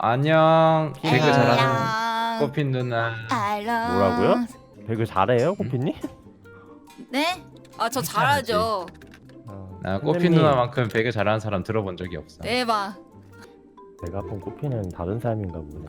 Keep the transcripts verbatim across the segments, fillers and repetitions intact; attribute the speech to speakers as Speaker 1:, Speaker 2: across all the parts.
Speaker 1: 안녕. 배그
Speaker 2: 안녕.
Speaker 1: 잘하는 꽃핀 누나.
Speaker 2: 알람.
Speaker 3: 뭐라고요? 배그 잘해요, 코피님?
Speaker 2: 네? 아 저 잘하죠.
Speaker 3: 어,
Speaker 1: 나 꽃핀
Speaker 3: 선생님,
Speaker 1: 누나만큼 배그 잘하는 사람 들어본 적이 없어.
Speaker 2: 대박.
Speaker 3: 내가 본 코피는 다른 사람인가 보네.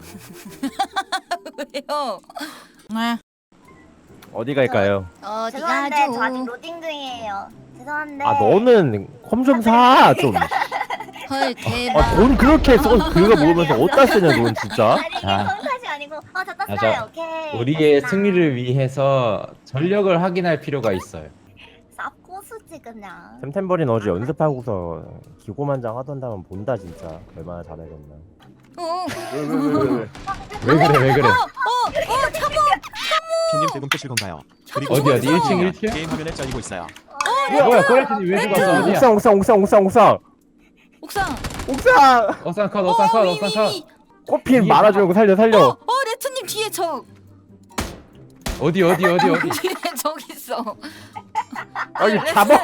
Speaker 2: 왜요? 네.
Speaker 3: 어디 갈까요?
Speaker 2: 어디
Speaker 4: 죄송한데
Speaker 2: 가죠?
Speaker 4: 저 아직 로딩 중이에요. 죄송한데.
Speaker 3: 아 너는 컴 좀 사! 좀.
Speaker 2: 헐 대박.
Speaker 3: 아, 돈 그렇게 써 그거 먹으면서 어디다 쓰냐 돈 진짜?
Speaker 4: 아니 이게
Speaker 1: 아.
Speaker 4: 성탓이 아니고 아 저
Speaker 1: 아,
Speaker 4: 땄어요.
Speaker 1: 저
Speaker 4: 오케이.
Speaker 1: 우리의
Speaker 4: 됐다.
Speaker 1: 승리를 위해서 전력을 확인할 필요가 있어요.
Speaker 4: 쌉고수지 그냥.
Speaker 3: 템템버린 어제 연습하고서 기고만장 하던 다음 본다 진짜 얼마나 잘하겠나.
Speaker 2: 어.
Speaker 3: 왜왜왜왜
Speaker 1: 왜 그래 왜 그래?
Speaker 2: 어 참어.
Speaker 5: 피님 대금 뜨실 건가요? 그리고
Speaker 1: 어디, 어디? 일 층, 일 층?
Speaker 5: 게임 화면에 잘리고 있어요.
Speaker 1: 뭐야 코레트님 왜 죽었어? 어디야?
Speaker 3: 옥상 옥상 옥상 옥상 옥상
Speaker 2: 옥상.
Speaker 3: 옥상
Speaker 1: 옥상 컷 옥상 컷 옥상 컷.
Speaker 3: 코핀
Speaker 1: 이게
Speaker 3: 말아주고 살려
Speaker 2: 어,
Speaker 3: 살려.
Speaker 2: 어 레트님 뒤에 적.
Speaker 1: 어디 어디 어디 어디?
Speaker 2: 뒤에 적 있어.
Speaker 3: 아니 잡아.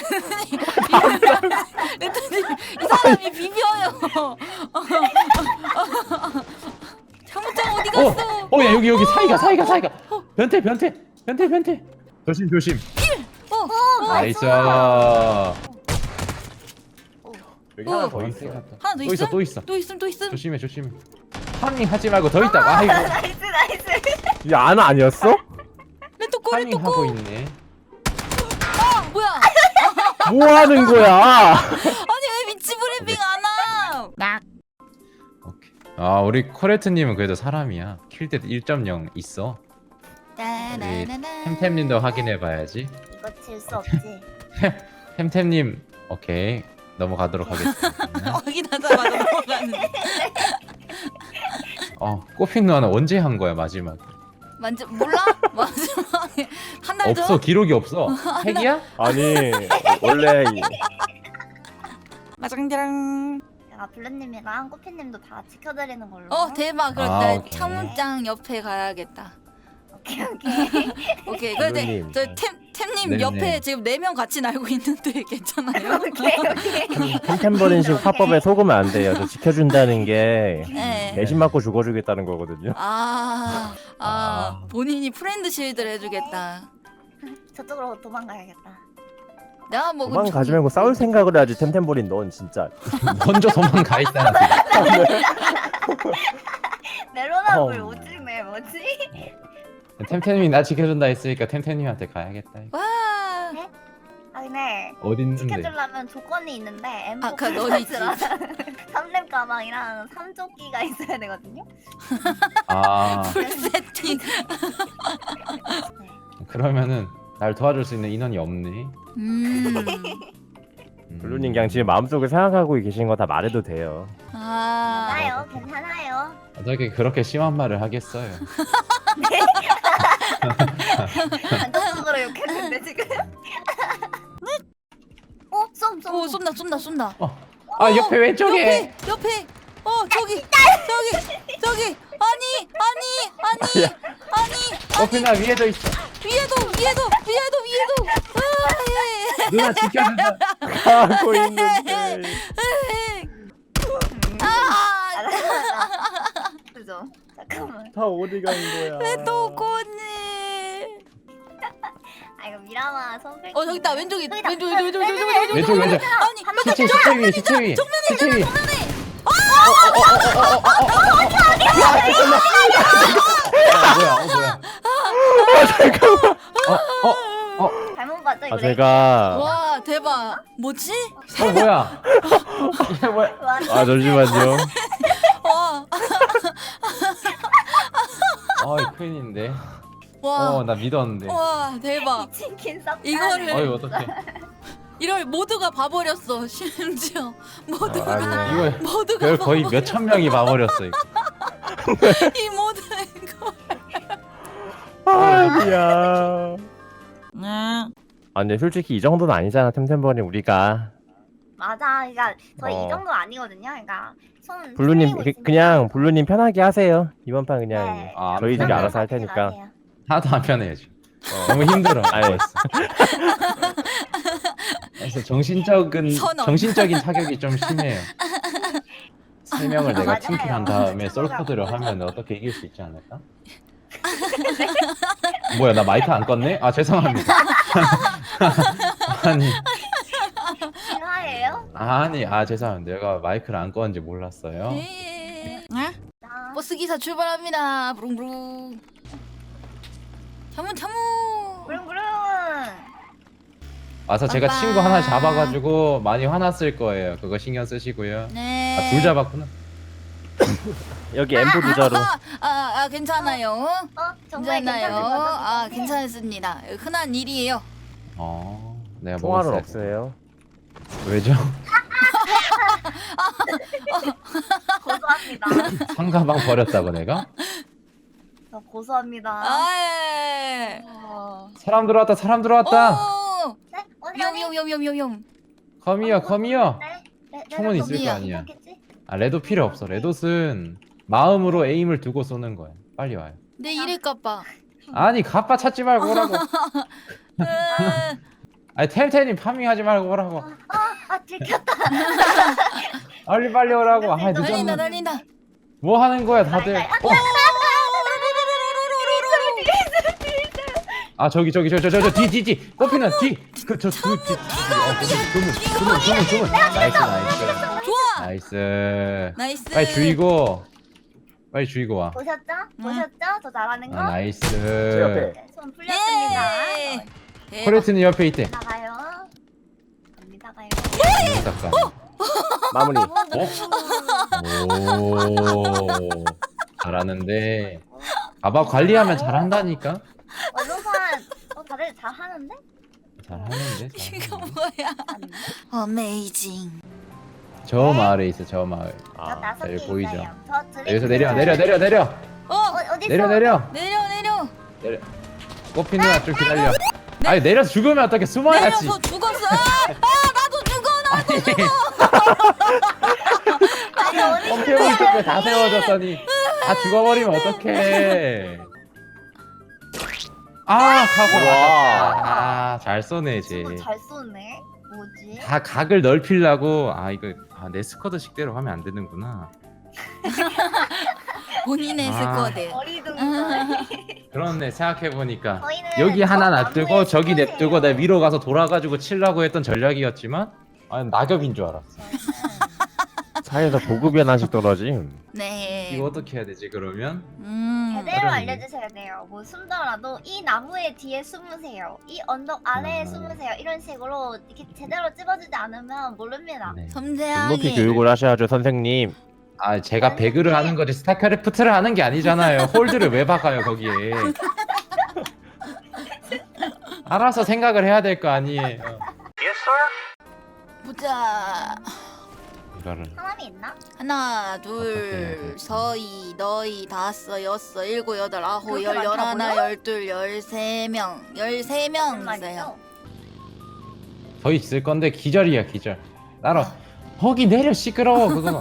Speaker 2: 레트님 이 사람이 비벼요. 참우장 어디
Speaker 1: 어,
Speaker 2: 갔어?
Speaker 1: 어야 여기 여기 사이가 사이가 사이가. 변태 변태 변태 변태. 조심 조심.
Speaker 2: 어, 어,
Speaker 1: 나이스.
Speaker 3: 여기
Speaker 2: 어.
Speaker 3: 하나 더
Speaker 1: 더
Speaker 3: 있어.
Speaker 1: 있어.
Speaker 2: 하나 더
Speaker 1: 또 있어
Speaker 2: 있음?
Speaker 1: 또 있어.
Speaker 2: 또 있음 또 있음.
Speaker 1: 조심해 조심해. 파밍 하지 말고 더 있다. 아이고.
Speaker 4: 나이스 나이스.
Speaker 3: 이 아나 아니었어?
Speaker 2: 레토코
Speaker 1: 파밍
Speaker 2: 레토코.
Speaker 1: 하고 있네.
Speaker 2: 아 뭐야?
Speaker 3: 뭐 하는 거야?
Speaker 2: 아니 왜 위치 브리핑 안 함? 막.
Speaker 1: 오케이. 아 우리 코레트님은 그래도 사람이야. 킬때 일 점 영 있어.
Speaker 2: 따라라라.
Speaker 1: 템템님도 확인해봐야지.
Speaker 4: 이거 질 수 없지.
Speaker 1: 템템님 오케이 넘어가도록 하겠습니다.
Speaker 2: 확인하자마자 넘어가는.
Speaker 1: 어 꽃핀 누나는 언제 한 거야 마지막?
Speaker 2: 만져 몰라? 마지막에 한 달 전?
Speaker 1: 없어 기록이 없어. 핵이야?
Speaker 3: 아니 원래 이-
Speaker 2: 마장자랑.
Speaker 4: 제가 블루님이랑 꼬피님도 다 지켜드리는 걸로.
Speaker 2: 어 대박. 그럼
Speaker 1: 아,
Speaker 2: 나
Speaker 1: 오케이.
Speaker 2: 창문장 옆에 가야겠다.
Speaker 4: 오케이 오케이.
Speaker 2: 오케이. 근데
Speaker 3: 블루님.
Speaker 2: 저템 템님
Speaker 1: 네네.
Speaker 2: 옆에 지금 네 명 같이 날고 있는데 괜찮아요?
Speaker 4: 오케이 오케이.
Speaker 3: 템템버린식 화법에 속으면 안 돼요. 저 지켜준다는 게
Speaker 2: 네.
Speaker 3: 대신 맞고 죽어주겠다는 거거든요.
Speaker 2: 아, 아,
Speaker 1: 아.
Speaker 2: 본인이 프렌드 실드를 해주겠다.
Speaker 4: 저쪽으로 도망가야겠다.
Speaker 2: 내가 뭐
Speaker 3: 도망 가지 말고 싸울 생각을 해야지. 템템버린 넌 진짜.
Speaker 1: 먼저 도망가 있다는 소리.
Speaker 4: 메로나물
Speaker 3: 어.
Speaker 4: 오지네 뭐지?
Speaker 1: 템템님이 나 지켜준다 했으니까 템템님한테 가야겠다.
Speaker 2: 와,
Speaker 4: 아 근데
Speaker 1: 어디 있는데?
Speaker 4: 지켜주려면 조건이 있는데 엠포
Speaker 2: 아, 그 넌 있지.
Speaker 4: 삼 렙 가방이랑 삼 조끼가 있어야 되거든요.
Speaker 1: 아
Speaker 2: 풀 세팅.
Speaker 4: 네.
Speaker 1: 그러면은 날 도와줄 수 있는 인원이 없네.
Speaker 2: 음,
Speaker 1: 음.
Speaker 3: 블루님 그냥 지금 마음속에 생각하고 계신 거 다 말해도 돼요.
Speaker 2: 아,
Speaker 4: 괜찮아요, 괜찮아요.
Speaker 1: 어떻게 그렇게 심한 말을 하겠어요?
Speaker 4: 단독적으로 욕했는데 지금. 어, 쏨, 쏨.
Speaker 2: 오 쏜다 쏜다 쏜다.
Speaker 1: 아 옆에 왼쪽에.
Speaker 2: 옆에 옆에. 어 저기 저기 저기 아니 아니 아니 아니
Speaker 1: 꽃핀아 위에도 있어.
Speaker 2: 위에도 위에도 위에도 위에도. 아, 예.
Speaker 1: 누나 지켜준다.
Speaker 3: 하고 있는데.
Speaker 2: 아,
Speaker 4: 알았어. 그죠? 잠깐만.
Speaker 3: 다 어디 간 거야?
Speaker 2: 레토코님.
Speaker 4: 아 이거 미라마 선글.
Speaker 2: 어 저기 있다 왼쪽이
Speaker 4: 저기다.
Speaker 2: 왼쪽 왼쪽 왼쪽 왼쪽 왼쪽
Speaker 1: 왼쪽 왼쪽.
Speaker 2: 아니
Speaker 1: 시체 시체 위에 시체 위에. 시체 위에. 아, 뭐야? 어 뭐야? 어 어 어.
Speaker 4: 잘못 봤죠 이거.
Speaker 3: 아 제가
Speaker 2: 와 대박 뭐지?
Speaker 1: 어 뭐야? 이게 뭐야?
Speaker 4: 완전
Speaker 3: 아 잠시만요.
Speaker 2: 와
Speaker 1: 어이 큰일인데.
Speaker 2: 와.
Speaker 1: 어 나 믿었는데.
Speaker 2: 와 대박
Speaker 4: 치킨 싹.
Speaker 2: 이거를-
Speaker 1: 어이 어떡해.
Speaker 2: 이럴 모두가 봐버렸어 심지어 모두가
Speaker 3: 아, 아니,
Speaker 1: 이거
Speaker 2: 모두가
Speaker 1: 그걸 거의
Speaker 2: 봐버렸어.
Speaker 1: 몇 천 명이 봐버렸어 이거.
Speaker 2: 이 모든 거
Speaker 3: 아니야.
Speaker 2: 네.
Speaker 3: 아 근데 솔직히 이 정도는 아니잖아. 템템버린 우리가.
Speaker 4: 맞아. 그러니까 저희
Speaker 3: 어.
Speaker 4: 이 정도 아니거든요. 그러니까 손.
Speaker 3: 블루님
Speaker 4: 풀리고
Speaker 3: 그,
Speaker 4: 있으니까.
Speaker 3: 그냥 블루님 편하게 하세요. 이번 판 그냥
Speaker 4: 네.
Speaker 1: 아,
Speaker 3: 저희들이
Speaker 1: 편하게
Speaker 3: 알아서 할
Speaker 4: 하지
Speaker 3: 테니까.
Speaker 4: 마세요.
Speaker 1: 하나도 안 편해져. 너무 힘들어.
Speaker 3: 아니,
Speaker 1: 그래서 정신적인
Speaker 2: 선언.
Speaker 1: 정신적인 타격이 좀 심해요. 세 명을 내가
Speaker 4: 맞아요.
Speaker 1: 팀킬한 다음에 솔코드를 하면 어떻게 이길 수 있지 않을까? 뭐야 나 마이크 안 껐네? 아 죄송합니다. 아니
Speaker 4: 실화예요?
Speaker 1: 아니 아 죄송합니다. 내가 마이크를 안 껐는지 몰랐어요.
Speaker 2: 예. 아?
Speaker 4: 나
Speaker 2: 버스 기사 출발합니다. 부릉부릉. 차문 차문.
Speaker 4: 부릉부릉.
Speaker 1: 와서 제가
Speaker 2: 빵빵.
Speaker 1: 친구 하나 잡아가지고 많이 화났을 거예요. 그거 신경 쓰시고요.
Speaker 2: 네.
Speaker 1: 아 둘 잡았구나.
Speaker 3: 여기 엠보 두자로.
Speaker 2: 아, 아, 아 괜찮아요.
Speaker 4: 어 정말
Speaker 2: 괜찮아요.
Speaker 4: 괜찮을 것
Speaker 2: 아
Speaker 4: 같은데.
Speaker 2: 괜찮습니다. 흔한 일이에요.
Speaker 1: 어 내가
Speaker 3: 총알은
Speaker 1: 먹었어요.
Speaker 3: 없어요.
Speaker 1: 왜죠?
Speaker 4: 고소합니다.
Speaker 1: 상가방 버렸다고 내가?
Speaker 4: 저 고소합니다.
Speaker 2: 아.
Speaker 4: 어.
Speaker 1: 사람 들어왔다 사람 들어왔다.
Speaker 2: 오.
Speaker 4: 네? 어디
Speaker 2: 위험
Speaker 4: 어디?
Speaker 2: 위험 위험 위험 위험 위험.
Speaker 1: 컴이요 컴이요.
Speaker 4: 네? 네, 네,
Speaker 1: 총은
Speaker 4: 네,
Speaker 1: 있을
Speaker 2: 거
Speaker 4: 네,
Speaker 1: 아니야.
Speaker 4: 있었겠지?
Speaker 1: 아 레도 필요 없어. 레도는 마음으로 에임을 두고 쏘는 거야. 빨리 와요.
Speaker 2: 내 이럴까봐.
Speaker 1: 아니 가빠 찾지 말고 오라고. 아니 텔텔님 파밍하지 말고 오라고.
Speaker 4: 아 들켰다.
Speaker 1: 빨리 빨리 오라고. 아
Speaker 2: 달린다
Speaker 1: 늦었네.
Speaker 2: 달린다.
Speaker 1: 뭐 하는 거야 다들? 어? 아 저기 저기 저기 저기 저기 뒤 뒤 뒤. 꽃피는 뒤. 그저그뒤 주문 주문 주문 주문. 나이스 나이스.
Speaker 2: 좋아.
Speaker 1: 나이스.
Speaker 2: 나이스.
Speaker 1: 빨리 주이고. 빨리 주이고 와.
Speaker 4: 보셨죠?
Speaker 2: 응.
Speaker 4: 보셨죠? 저 잘하는 거?
Speaker 1: 아
Speaker 3: 제
Speaker 1: 나이스.
Speaker 3: 옆에.
Speaker 4: 네, 손 풀렸습니다.
Speaker 2: 예.
Speaker 4: 어,
Speaker 2: 대박.
Speaker 1: 코레트는 옆에 있대.
Speaker 4: 나가요. 갑니다 가요.
Speaker 1: 잠깐.
Speaker 3: 마무리.
Speaker 1: 오 잘하는데 가봐 관리하면 잘한다니까.
Speaker 4: 언론산 어 다들 잘하는데?
Speaker 1: 잘하는데
Speaker 2: 이거
Speaker 1: 잘하는데.
Speaker 2: 뭐야?
Speaker 4: 아닌데?
Speaker 2: 어메이징.
Speaker 1: 저 마을에 있어 저 마을.
Speaker 4: 저
Speaker 3: 아,
Speaker 4: 다섯 개
Speaker 1: 여기 보이죠?
Speaker 4: 있어요. 저 드링크.
Speaker 1: 여기서 내려 내려 내려 내려
Speaker 2: 어
Speaker 4: 어 어디
Speaker 1: 내려
Speaker 4: 있어?
Speaker 1: 내려
Speaker 2: 내려 내려.
Speaker 1: 내려. 꽃피 누나 좀 기다려. 아니 내려서 죽으면 어떻게 숨어야지.
Speaker 2: 내려서 죽었어. 아, 아 나도 죽어 나도 죽어.
Speaker 4: 아니 어디 있어?
Speaker 1: 펌핑 쪽에 다 세워졌더니 다 죽어버리면 어떡해. 아 가고
Speaker 3: 와.
Speaker 1: 아잘 쏘네 쟤.
Speaker 4: 친구 잘 쏘네. 뭐지?
Speaker 1: 다 각을 넓히려고. 아 이거 아, 내 스쿼드식대로 하면 안 되는구나.
Speaker 2: 본인의
Speaker 1: 아.
Speaker 2: 스쿼드.
Speaker 4: 어리둥절.
Speaker 1: 그렇네 생각해보니까
Speaker 4: 저희는
Speaker 1: 여기 하나
Speaker 4: 저
Speaker 1: 놔두고
Speaker 4: 나무에
Speaker 1: 저기
Speaker 4: 숨으세요.
Speaker 1: 냅두고 내 위로 가서 돌아가지고 치려고 했던 전략이었지만 아 낙엽인 줄 알았어.
Speaker 3: 사이에서 보급이 하나씩 떨어짐.
Speaker 2: 네.
Speaker 1: 이거 어떻게 해야 되지 그러면?
Speaker 2: 음.
Speaker 4: 제대로
Speaker 1: 어렵네.
Speaker 4: 알려주셔야 돼요. 뭐 숨더라도 이 나무의 뒤에 숨으세요. 이 언덕 아래에
Speaker 1: 음.
Speaker 4: 숨으세요. 이런 식으로 이렇게 제대로 찝어주지 않으면 모릅니다.
Speaker 1: 네.
Speaker 3: 높이
Speaker 2: 섬세하게.
Speaker 3: 교육을 하셔야죠 선생님.
Speaker 1: 아 제가 배그를 하는 거지 스타크래프트를 하는 게 아니잖아요. 홀드를 왜 박아요 거기에. 알아서 생각을 해야 될 거 아니에요.
Speaker 2: 보자.
Speaker 1: 이거를
Speaker 4: 사람이 있나?
Speaker 2: 하나,
Speaker 1: 어떻게 해야
Speaker 2: 둘,
Speaker 1: 될지.
Speaker 2: 서희, 너희, 다섯, 여섯, 일곱, 여덟, 아홉,
Speaker 4: 그렇게
Speaker 2: 열, 열하나,
Speaker 4: 많다고요?
Speaker 2: 열둘, 열세 명, 열세 명 있어요.
Speaker 1: 더 있을 건데 기절이야 기절. 따라 거기 내려 시끄러워 그거.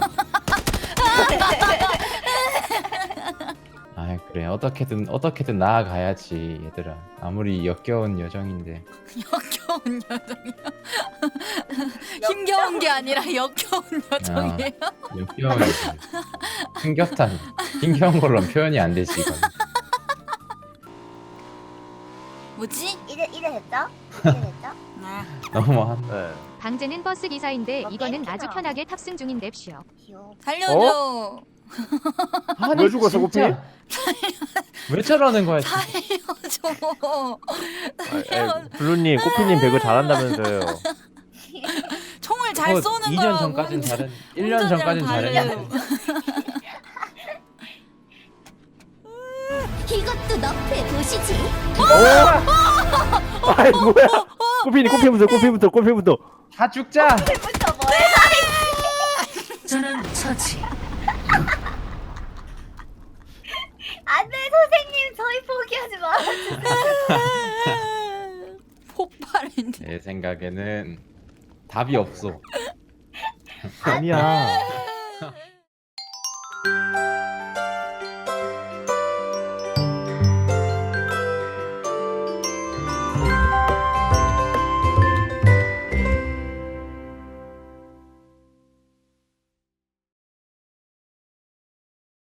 Speaker 1: 아 그래 어떻게든 어떻게든 나아가야지 얘들아. 아무리 역겨운 여정인데.
Speaker 2: 역겨운 여정이요. 힘겨운 게 아니라 역겨운 여정이에요.
Speaker 1: 역겨운 여정. 힘겹다니. 힘겨운 걸로 표현이 안 되지 이건.
Speaker 2: 뭐지?
Speaker 4: 이제 이제 됐죠? 이제 됐죠?
Speaker 2: 아,
Speaker 1: 너무한.
Speaker 3: 네.
Speaker 6: 방제는 버스 기사인데
Speaker 4: 어,
Speaker 6: 이거는
Speaker 4: 땡큐다.
Speaker 6: 아주 편하게 탑승 중인 냅쇼.
Speaker 4: 귀여워.
Speaker 2: 살려줘.
Speaker 1: 아니,
Speaker 3: 왜 죽었어,
Speaker 1: 진짜. 왜 저러는 거야? 진짜.
Speaker 2: 살려줘.
Speaker 3: 아, 아, 블루님, 꼬피님 배그 잘한다면서요.
Speaker 2: 총을 잘
Speaker 1: 어,
Speaker 2: 쏘는
Speaker 1: 이
Speaker 2: 거라고.
Speaker 1: 년 전까진 잘했. 일 년
Speaker 2: 운전이랑
Speaker 1: 전까진
Speaker 2: 다르요.
Speaker 1: 잘했는데.
Speaker 4: 이것도 너프의 도시지.
Speaker 3: 아이 뭐야? 꼬피님, 꼬피부터, 꼬피부터, 꼬피부터.
Speaker 1: 다 죽자.
Speaker 4: 부터 뭐해?
Speaker 2: 저는 처치.
Speaker 4: 안돼 선생님 저희 포기하지 마.
Speaker 2: 폭발인데.
Speaker 1: 내 생각에는 답이 없어.
Speaker 3: 아니야.